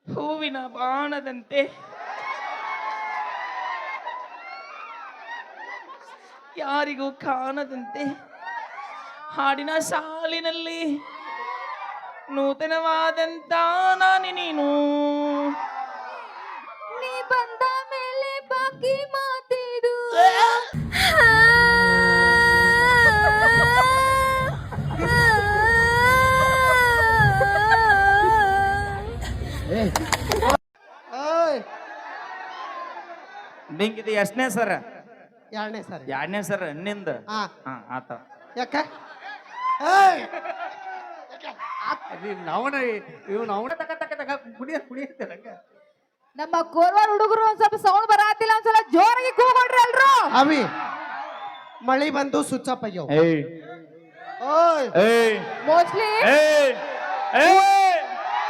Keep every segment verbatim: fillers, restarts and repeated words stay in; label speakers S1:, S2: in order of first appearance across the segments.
S1: ಹೂವಿನ ಬಾಣದಂತೆ ಯಾರಿಗೂ ಕಾಣದಂತೆ ಹಾಡಿನ ಸಾಲಿನಲ್ಲಿ ನೂತನವಾದಂತ ನಾನಿ ನೀನು
S2: ನೀ ಬಂದ ಮೇಲೆ ಬಾಕಿ ಮಾತಿದು
S3: ಓಯ್
S1: ನಿಂಗಿದು ಎಷ್ಟನೇ ಸರ
S3: ಎರಡನೇ ಸರಿ
S1: ಎರಡನೇ ಸರ ನಿಂದ
S3: ಹಾ
S1: ಹಾ ಆತ
S3: ಯಾಕ ಏಯ್
S4: ಅವನ ಇವನು ಅವನ ತಕ ತಕ ತಕ ಕುಡಿಯ ಕುಡಿಯುತ್ತೆ
S2: ನಮ್ಮ ಕೋರ್ವಾರ ಹುಡುಗರು ಒಂದ್ ಸ್ವಲ್ಪ ಸೌಂಡ್ ಬರಾತಿಲ್ಲ ಒಂದ್ಸಲ ಜೋರಾಗಿ ಕೂಗೊಂಡ್ರಿ ಎಲ್ರು
S3: ಅವಿ ಮಳಿ ಬಂದು ಸ್ವಿಚ್ ಆಫ್ ಆಗ್ಯಾವ
S1: ಏಯ್
S3: ಓಯ್
S1: ಏಯ್
S2: ಮೋಸ್ಟ್ಲಿ
S1: ಏಯ್ ಏಯ್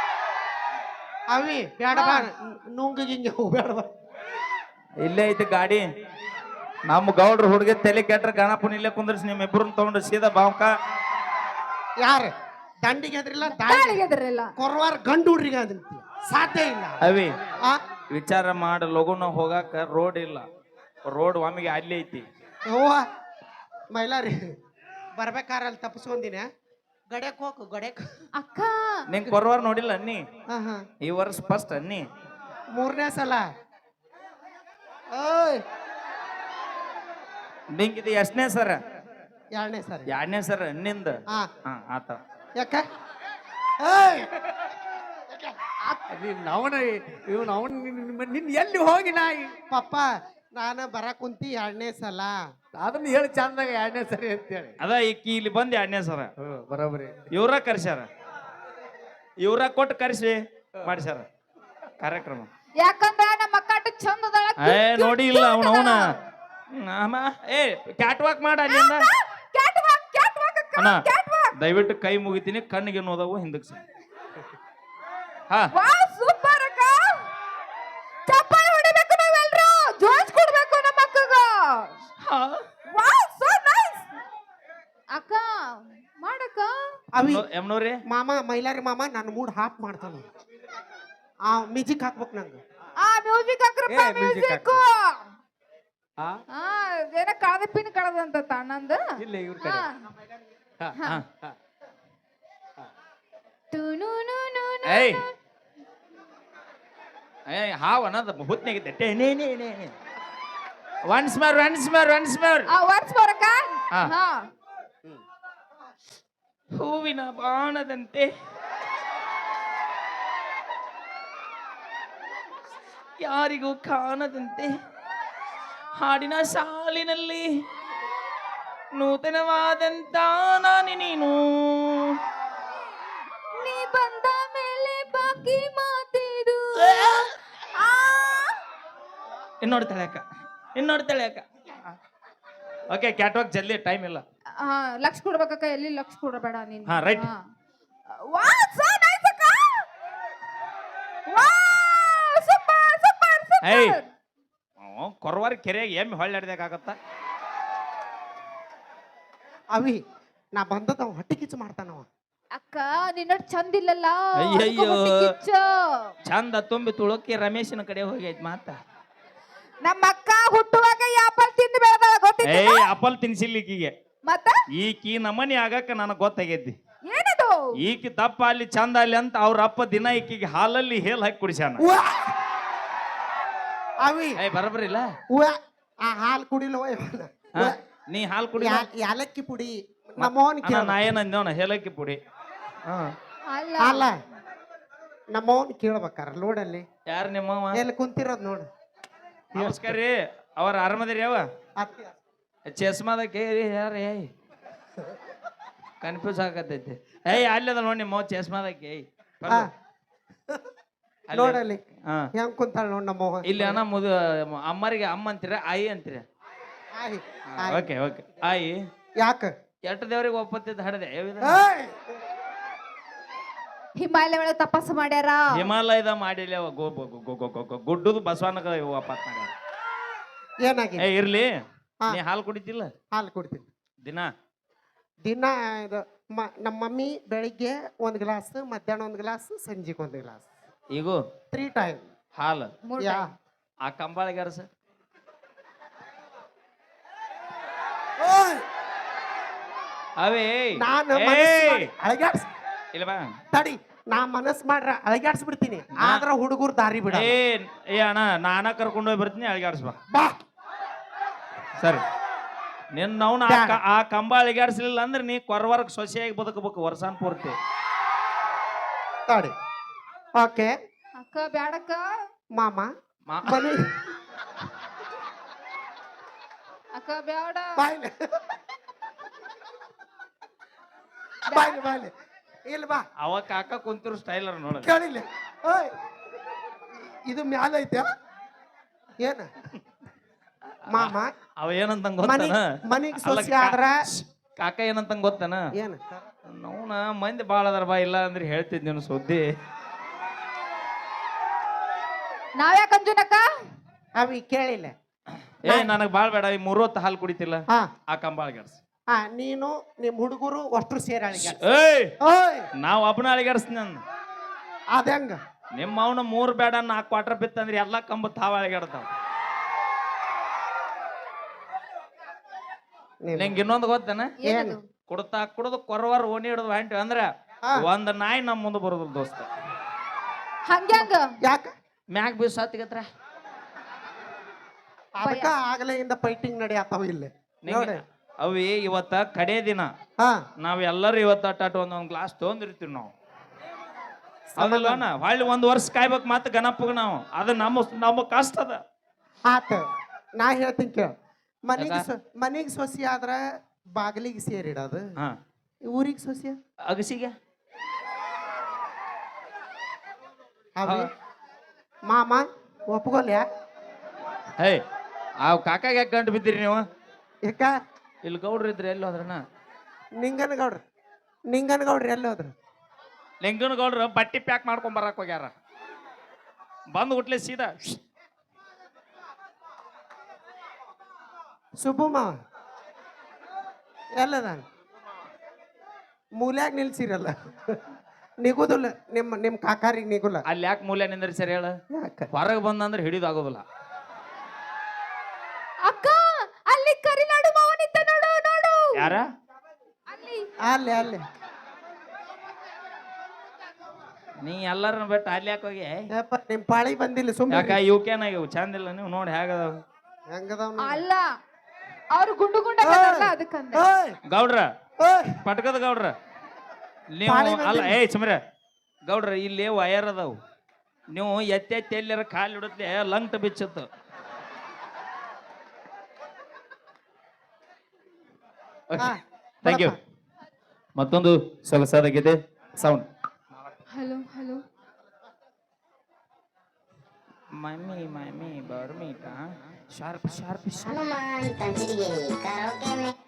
S3: ಅವಿ ಬೇಡ ಬಾ ನುಂಗ ಗಿಂಗೆ ಬೇಡ ಬಾ
S1: ಇಲ್ಲೇ ಐತಿ ಗಾಡಿ ನಮ್ಮ ಗೌಡ್ರ ಹುಡುಗ ತಲೆ ಕೆಟ್ರ ಗಣಪನ ಇಲ್ಲೇ ಕುಂದ್ರಿಸಿ ನಿಮ್ ಇಬ್ಬರನ್ನ ತಗೊಂಡು ಸೀದಾ ಬಾವ್ಕ
S3: ಯಾರು ದಂಡಿಗೆ ಅದ್ರಿಲ್ಲ ದಾಳಿಗೆ
S2: ದಾಳಿಗೆ ಎದ್ರಿಲ್ಲ
S3: ಕೊರವಾರ ಗಂಡು ಹುಡ್ರಿಗೆ ಅದಂತಿ ಸಾಧ್ಯ ಇಲ್ಲ
S1: ಅವಿ
S3: ಆ
S1: ವಿಚಾರ ಮಾಡ ಲಗುನ ಹೋಗಾಕ ರೋಡ್ ಇಲ್ಲ ರೋಡ್ ಒಮ್ಮಿಗೆ ಅಲ್ಲಿ ಐತಿ
S3: ಅವ್ವ ಮೈಲಾರಿ ಬರ್ಬೇಕಾರ ಅಲ್ಲಿ ತಪ್ಪಿಸ್ಕೊಂದಿನ ಗಡ್ಯಾಕ್ ಹೋಗು ಗಡ್ಯಾಕ್
S2: ಅಕ್ಕ
S1: ನಿಂಗ್ ಕೊರವಾರ ನೋಡಿಲ್ಲ ಅನ್ನಿ
S3: ಹಾ ಹಾ
S1: ಈ ವರ್ಷ ಫಸ್ಟ್ ಅನ್ನಿ
S3: ಮೂರನೇ ಸಲ ಓಯ್
S1: ನಿಂಗಿದು ಎಷ್ಟನೇ ಸರ
S3: ಎರಡನೇ ಸರಿ
S1: ಎರಡನೇ ಸರ ನಿಂದ
S3: ಹಾ
S1: ಹಾ ಆತ
S3: ಯಾಕ ಏಯ್
S4: ಅವನ ಇವನು ಅವನ್ ನಿನ್ ಎಲ್ಲಿ ಹೋಗಿ ನಾಯಿ
S3: ಪಪ್ಪ ನಾನು ಬರ ಕುಂತಿ ಎರಡನೇ ಸಲ
S4: ಅದನ್ನ ಹೇಳಿ ಚಂದಾಗ ಎರಡನೇ ಸರಿ ಅಂತೇಳಿ
S1: ಅದ ಈಕಿ ಇಲ್ಲಿ ಬಂದ್ ಎರಡನೇ ಸರ
S4: ಹ್ಮ್ ಬರೋಬರಿ
S1: ಇವ್ರ ಕರ್ಸ್ಯಾರ ಇವ್ರ ಕೊಟ್ಟು ಕರ್ಸಿ ಮಾಡ್ಸ್ಯಾರ ಕಾರ್ಯಕ್ರಮ
S2: ಯಾಕಂದ್ರ ನಮ್ಮ ಅಕ್ಕ ಅಷ್ಟು ಚಂದ ಅದಾಳ,
S1: ಏ
S2: cute,
S1: ನೋಡಿ ಇಲ್ಲ
S2: cute
S1: ಅವನ ಅವನ
S2: ಅದಾಳ.
S1: ಏ ಕ್ಯಾಟ್ ವಾಕ್ ಮಾಡ ಅಲ್ಲಿಂದ
S2: Catwalk, catwalk ಅಕ್ಕ,
S1: ಅಣ್ಣ
S2: catwalk.
S1: ದಯವಿಟ್ಟು ಕೈ ಮುಗಿತೀನಿ ಕಣ್ಣಿಗೆ ನೋದವು ಹಿಂದಕ್ಕೆ ಸರ್ ಹಾ
S2: ವಾವ್, ಸೂಪರ್ ಅಕ್ಕ. ಚಪ್ಪಾಳೆ ಹೊಡಿಬೇಕು ನಾವೆಲ್ರು, ಜೋಶ್ ಕೊಡ್ಬೇಕು ನಮ್ಮ ಅಕ್ಕಗ.
S1: ಹಾ.
S2: Wow, so nice. ಅಕ್ಕ ಮಾಡಕ್ಕ
S3: ಅವಿ
S1: ಎಮ್ನೋ- ಎಮ್ನೋರಿ
S3: ಮಾಮ ಮೈಲಾರಿ ಮಾಮ ನನ್ನ ಮೂಡ್ ಹಾಪ್ ಮಾಡ್ತಾನ ಆ ಮ್ಯೂಸಿಕ್ ಹಾಕ್ಬೇಕು ನಂಗೆ
S2: ಆ ಮ್ಯೂಸಿಕ್ ಹಾಕ್ರಪ್ಪ,
S4: ಏ, music
S2: ಮ್ಯೂಸಿಕ್.
S4: ಹಾ
S2: ಆ ಏನ ಕಳದ ಪಿನ್ ಕಳದಂತ ತಣ್ಣಂದ.
S4: ಇಲ್ಲ ಇವ್ರ ಕಡೆ ಹಾ
S1: ಹಾ.
S2: ತುನುನುನುನು.
S1: ಏಯ್ ಏಯ್ ಹಾವ್ ಅನ್ನೋದು ಹುತ್ನಾಗಿದ್ದೆ ಟೇ ನೇ ನೇ ನೇ once more once more once more
S2: ಆ ವರ್ಡ್ಸ್ ಬರಕ
S1: ಹಾ.
S2: ಹಾ
S1: ಹೂವಿನ ಬಾಣದಂತೆ ಯಾರಿಗೂ ಕಾಣದಂತೆ ಹಾಡಿನ ಸಾಲಿನಲ್ಲಿ ನೂತನವಾದಂತ ನಾನಿ ನೀನು
S2: ನೀ ಬಂದ ಮೇಲೆ ಬಾಕಿ ಮಾತಿದು ಆ
S1: ಇನ್ನೋಡ್ತಾಳೆ ಅಕ್ಕ ಇನ್ನೋಡ್ತಾಳೆ ಅಕ್ಕ ಓಕೆ ಕ್ಯಾಟ್ವಾಕ್ ಜಲ್ದಿ ಟೈಮ್ ಇಲ್ಲ
S2: ಆ, ಲಕ್ಷ ಕೊಡ್ಬೇಕಕ್ಕ, ಎಲ್ಲಿ ಲಕ್ಷ ಕೊಡಬೇಡ ನೀನು.
S1: ಹಾ, right.
S2: ವಾವ್, so nice ಅಕ್ಕ. Wow, super, super, super.
S1: ಏಯ್ ಕೊರವಾರ ಕೆರೆಯಾಗ ಎಮ್ಮೆ ಹೊಳ್ಳಾಡ್ದಾಗತ್ತ
S3: ಅವಿ ನಾ ಬಂದದ ಅವ ಹೊಟ್ಟೆ ಕಿಚ್ಚು ಮಾಡ್ತಾನವ
S2: ಅಕ್ಕ ನಿನ್ನ ಚಂದ ಇಲ್ಲಲ್ಲ,
S1: ಅಯ್ಯಯ್ಯೋ.
S2: ಅದಕ್ಕೆ ಹೊಟ್ಟೆ ಕಿಚ್ಚು.
S1: ಚಂದ ತುಂಬಿ ತುಳುಕಿ ರಮೇಶನ ಕಡೆ ಹೋಗೈತ್ ಮಾತ
S2: ನಮ್ಮ ಅಕ್ಕ ಹುಟ್ಟುವಾಗ ಆಪಲ್ ತಿಂದು ಬೆಳೆದಾಳ, ಗೊತ್ತಿತ್ತು
S1: ಏಯ್ ಅಪಲ್ ತಿನ್ಸಿಲ್ಲ ಈಕಿಗೆ
S2: ಮತ್ತ
S1: ಈಕಿ ನಮನಿ ಆಗಕ್ಕ ನನಗೆ ಗೊತ್ತಾಗೈತಿ
S2: ಏನದು
S1: ಈಕಿ ದಪ್ಪ ಅಲ್ಲಿ ಚಂದ ಅಲ್ಲಿ ಅಂತ ಅವ್ರ ಅಪ್ಪ ದಿನ ಈಕಿಗೆ ಹಾಲಲ್ಲಿ ಹೇಲ್ ಹಾಕಿ ಕುಡಿಸ್ಯಾನ
S3: ಅವಿ
S1: ಏಯ್ ಬರಬರಿಲ್ಲ
S3: ಉವ್ವ, ಆ ಹಾಲು ಕುಡಿಲವ
S1: ನೀ ಹಾಲು ಕುಡಿ
S3: ಯಾಲಕ್ಕಿ ಪುಡಿ ನಮ್ಮವನ್ ಕೇಳ
S1: ನಾ ಏನಂದೇವನ ಹೇಲಕ್ಕಿ ಪುಡಿ
S2: ಅಲ್ಲ
S3: ಅಲ್ಲ ನಮ್ಮವನ್ ಕೇಳ್ಬೇಕಾರ ಲೋಡಲ್ಲಿ
S1: ಯಾರು ನಿಮ್ಮವ
S3: ಎಲ್ಲಿ ಕುಂತಿರೋದ್ ನೋಡು
S1: ನಮಸ್ಕಾರ ರೀ ಅವ್ರ ಆರಾಮದಿರಿ ಯಾವ
S3: ಅತ್ತಿ
S1: ಚಸ್ಮಾದ ಕೇರಿ ಯಾರ ಏಯ್ ಕನ್ಫ್ಯೂಸ್ ಆಗತೈತಿ ಏಯ್ ಅಲ್ಲದ ನೋಡಿ ನಿಮ್ಮ ಚಸ್ಮಾದಕ್ಕೆ ಏಯ್
S3: ಆ, ನೋಡಲ್ಲಿ
S1: ಹಾ
S3: ಹೆಂಗ್ ಕುಂತಾಳ ನೋಡ್ ನಮ್ಮವ
S1: ಇಲ್ಲಿ ಅಣ್ಣ ಮುದು ಅಮ್ಮರಿಗೆ ಅಮ್ಮ ಅಂತೀರ ಆಯಿ ಅಂತೀರ
S3: ಆಯ್, ಆಯ್.
S1: ಓಕೆ ಓಕೆ ಆಯಿ
S3: ಯಾಕ
S1: ಎಟ್ಟು ದೇವ್ರಿಗೆ ಒಪ್ಪತ್ತಿದ್ದು ಹಡದೆ
S3: ಏಯ್!
S2: ಹಿಮಾಲಯ ಒಳಗೆ ತಪಸ್ಸು ಮಾಡ್ಯಾರ.
S1: ಹಿಮಾಲಯದ ಮಾಡಿಲ್ಲ ಅವ ಗೋ ಗೋ- ಗೋ- ಗೋ- ಗೋ- ಗೋ- ಗೋ- ಗುಡ್ಡದು ಬಸವನಗ ವಾಪಸ್ ಮಾಡ್ಯಾರ
S3: ಏನಾಗಿದೆ
S1: ಏ ಇರ್ಲಿ
S3: ಹಾ.
S1: ನೀ ಹಾಲು ಕುಡಿತಿಲ್ಲ
S3: ಹಾಲು ಕುಡ್ತೀನಿ
S1: ದಿನ
S3: ದಿನ ಇದು ಮ- ನಮ್ಮ ಮಮ್ಮಿ ಬೆಳಿಗ್ಗೆ ಒಂದ್ ಗ್ಲಾಸ್ ಮಧ್ಯಾಹ್ನ ಒಂದ್ ಗ್ಲಾಸ್ ಸಂಜೆಗೆ ಒಂದ್ ಗ್ಲಾಸ್
S1: ಈಗೂ
S3: ತ್ರೀ ಟೈಮ್
S1: ಹಾಲು
S2: ಮೂರ್
S3: ಯಾ
S2: time.
S1: ಆ ಕಂಬಾಳಿಗಾರಸ ಅವೇ
S3: ನಾನು
S1: ಏಯ್!
S3: ಮನಸ್ಸು ಮಾಡಿ ಅಳಗ್ಯಾಡ್ಸ್
S1: ಇಲ್ಲ ಬಾ
S3: ತಡಿ ನಾ ಮನಸ್ ಮಾಡ್ರ ಅಳಗ್ಯಾಡ್ಸ್ಬಿಡ್ತೀನಿ ಆದ್ರ ಹುಡುಗರು ದಾರಿ ಬಿಡ
S1: ಏ ಏ ಅಣ್ಣ ನಾನ ಕರ್ಕೊಂಡು ಹೋಗಿ ಬರ್ತೀನಿ ಅಳಿಗಾಡ್ಸ್ ಬಾ
S3: ಬಾ
S1: ಸರಿ ನಿನ್ನ ನಾವು
S3: ಬ್ಯಾಡ.
S1: ಆ ಕಂಬ ಅಳಿಗಾಡ್ಸ್ಲಿಲ್ಲ ಅಂದ್ರೆ ನೀ ಕೊರವರ್ಗ ಸೊಸೆಯಾಗಿ ಬದುಕಬೇಕು ವರ್ಷಾನ್ ಪೂರ್ತಿ
S3: ತಡಿ ಓಕೆ
S2: ಅಕ್ಕ ಬ್ಯಾಡಕ್ಕ
S3: ಮಾಮ
S1: ಮಾ-
S3: ಮನಿ
S2: ಅಕ್ಕ ಬ್ಯಾಡ
S3: ಬಾಯ್ಲೆ ಬಾಯ್ಲೆ ಬಾಯ್ಲೆ ಇಲ್ಲ ಬಾ
S1: ಅವ ಕಾಕ ಕುಂತಿರೋ ಸ್ಟೈಲರ್ ನೋಡ
S3: ಕೇಳಿಲ್ಲ ಓಯ್ ಇದು ಮ್ಯಾಲ ಐತೆ ಏನ ಮಾಮ
S1: ಅವ ಏನಂತ
S3: ಮನಿ
S1: ಗೊತ್ತಾನ
S3: ಮನಿಗ್
S1: ಅಲ್ಲ,
S3: ಸೊಸಿ
S1: ಕಾ-
S3: ಆದ್ರ
S1: ಕಾಕ ಏನಂತ ಗೊತ್ತಾನ
S3: ಏನ
S1: ನೋನ ಮಂದಿ ಬಾಳ ಅದಾರ ಬಾ ಇಲ್ಲ ಅಂದ್ರೆ ಹೇಳ್ತಿದ್ ನೀನು ಸುದ್ದಿ
S2: ನಾವ್ಯಾಕ ಅಂಜುನಕ್ಕ
S3: ಅವಿ ಕೇಳಿಲ್ಲ
S1: ಏ ನನಗ್ ಬಾಳ್ ಬೇಡ ಈ ಮೂರ್ ಹೊತ್ತು ಹಾಲು ಕುಡಿತಿಲ್ಲ
S3: ಹಾ
S1: ಆ ಕಂಬ ಅಳಿಗಾಡ್ಸ್
S3: ಹಾ ನೀನು ನಿಮ್ ಹುಡುಗರು ಅಷ್ಟ್ರು ಸೇರಿ ಅಳಿಗ್ಯಾಡ್ಸ್
S1: ಏಯ್
S3: ಓಯ್
S1: ನಾವ್ ಒಬ್ಬನ ಅಳಿಗಾಡ್ಸ್ ನಾನು
S3: ಅದಂಗ
S1: ನಿಮ್ಮ ಅವನ ಮೂರ್ ಬೇಡ ನಾಲ್ಕು ಕ್ವಾರ್ಟರ್ ಬಿತ್ತಂದ್ರೆ ಎಲ್ಲಾ ಕಂಬ ತಾವ ಅಳಿಗಾಡ್ತಾವ
S3: ನೀನು-
S1: ನಿಂಗೆ ಇನ್ನೊಂದು ಗೊತ್ತೇನ
S2: ಏನದು
S1: ಕುಡ್ತಾ ಕುಡ್ದು ಕೊರವಾರ ಓಣಿ ಹಿಡಿದು ಹೊಂಟಿವಿ ಅಂದ್ರ
S3: ಹಾ.
S1: ಒಂದ್ ನಾಯಿ ನಮ್ ಮುಂದೆ ಬರೋದಿಲ್ಲ ದೋಸ್ತ
S2: ಹಂಗ್ಯಾಂಗ
S3: ಯಾಕ
S1: ಮ್ಯಾಗ್ ಬೀಸ್ ಹತ್ತಿಗತ್ರ
S3: ಅದಕ್ಕ ಆಗಲೆಯಿಂದ ಫೈಟಿಂಗ್ ನಡೆಯತ್ತಾವ ಇಲ್ಲಿ ನೋಡಿ
S1: ಅವಿ ಇವತ್ತ ಕಡೆ ದಿನ
S3: ಹಾ
S1: ನಾವ್ ಎಲ್ಲರೂ ಇವತ್ತ ಅಟ್ಟಾಟ ಒಂದೊಂದ್ ಗ್ಲಾಸ್ ತೊಗೊಂಡಿರ್ತೀವಿ ನಾವು ಹೌದಲ್ವನ ಹೊಳ್ಳಿ ಒಂದ್ ವರ್ಷ ಕಾಯ್ಬೇಕು ಮತ್ತೆ ಗಣಪಗ ನಾವು ಅದು ನಮ್ಮ ನಮ್ಮ ಕಷ್ಟ ಅದ
S3: ಆತ ನಾ ಹೇಳ್ತೀನಿ ಕೇಳ ಮನಿಗ್
S1: ಯಾಕ?
S3: ಸೊ- ಮನಿಗ್ ಸೊಸಿ ಆದ್ರ ಬಾಗಿಲಿಗೆ ಸೇರಿಡೋದು
S1: ಹಾ
S3: ಊರಿಗೆ ಸೊಸಿ
S1: ಅಗಸಿಗೆ
S3: ಅವಿ ಮಾಮ ಒಪ್ಕೊಲ್ಯಾ
S1: ಹೇ ಆ ಕಾಕಾಗ ಯಾಕೆ ಗಂಟು ಬಿದ್ದೀರಿ ನೀವು
S3: ಯಾಕ
S1: ಇಲ್ಲಿ ಗೌಡ್ರು ಇದ್ರಿ ಎಲ್ಲಿ ಹೋದ್ರನ
S3: ನಿಂಗನಗೌಡ್ರ ನಿಂಗನಗೌಡ್ರ ಎಲ್ಲಿ ಹೋದ್ರು
S1: ಲಿಂಗನ ಗೌಡ್ರು ಬಟ್ಟಿ ಪ್ಯಾಕ್ ಮಾಡ್ಕೊಂಡ್ ಬರಕ್ ಹೋಗ್ಯಾರ ಬಂದ್ ಹುಟ್ಲೆ ಸೀದಾ
S3: ಸುಬ್ಬು ಮಾವ ಎಲ್ಲದ ಮೂಲ್ಯಾಗ ನಿಲ್ಸಿರಲ್ಲ ನಿಗುದಿಲ್ಲ ನಿಮ್ಮ ನಿಮ್ಮ ಕಾಕಾರಿಗೆ ನಿಗುಲ್ಲ
S1: ಅಲ್ಲಿ ಯಾಕೆ ಮೂಲೆ ನಿಂದ್ರಿ ಸರಿ ಹೇಳ
S3: ಯಾಕ
S1: ಹೊರಗೆ ಬಂದಂದ್ರೆ ಹಿಡಿದು ಆಗೋದಿಲ್ಲ
S2: ಅಕ್ಕ ಅಲ್ಲಿ ಕರಿನಾಡು ಮಾವನಿದ್ದ ನೋಡು ನೋಡು
S1: ಯಾರ
S2: ಅಲ್ಲಿ
S3: ಅಲ್ಲಿ ಅಲ್ಲಿ
S1: ನೀ ಎಲ್ಲರನ್ನ ಬಿಟ್ಟು ಅಲ್ಲಿ ಯಾಕೆ ಹೋಗಿ
S3: ಯಪ್ಪ ನಿಮ್ಮ ಪಾಳಿ ಬಂದಿಲ್ಲ ಸುಮ್ಮನೆ
S1: ಯಾಕ ಇವ್ಕೇನ ಇವು ಚಂದಿಲ್ಲ ನೀವು ನೋಡಿ ಹೇಗದಾವ
S3: ಹೆಂಗದವ್
S2: ಅಲ್ಲ ಅವ್ರು ಗುಂಡು ಗುಂಡಾಗಲ್ಲ ಅದಕ್ಕಂದ
S3: ಓಯ್
S1: ಗೌಡ್ರ
S3: ಓಯ್
S1: ಪಟ್ಕದ ಗೌಡ್ರ ನೀವು
S3: ಪಾಳಿ
S1: ಅಲ್ಲ
S3: ಬಂದಿಲ್ಲ.
S1: ಏಯ್ ಸುಮ್ರೆ ಗೌಡ್ರ ಇಲ್ಲಿ ವಯರ್ ಅದಾವು ನೀವು ಎತ್ತೆ ಎತ್ತಿ ಎಲ್ಲಾರ ಕಾಲು ಇಡತ್ಲೆ ಲಂಗ್ಟ ಬಿಚ್ಚತ್ತು
S3: ಹಾ,
S1: ಥ್ಯಾಂಕ್ ಯು ಮತ್ತೊಂದು ಸೊಗಸಾದ ಗೀತೆ sound
S2: hello hello
S1: mummy mummy ಬರ್ಮೀಟ ಶಾರ್ಪ್ ಶಾರ್ಪ್ ಶಾರ್ಪ್
S5: हनुमान कंजरिए करोगे में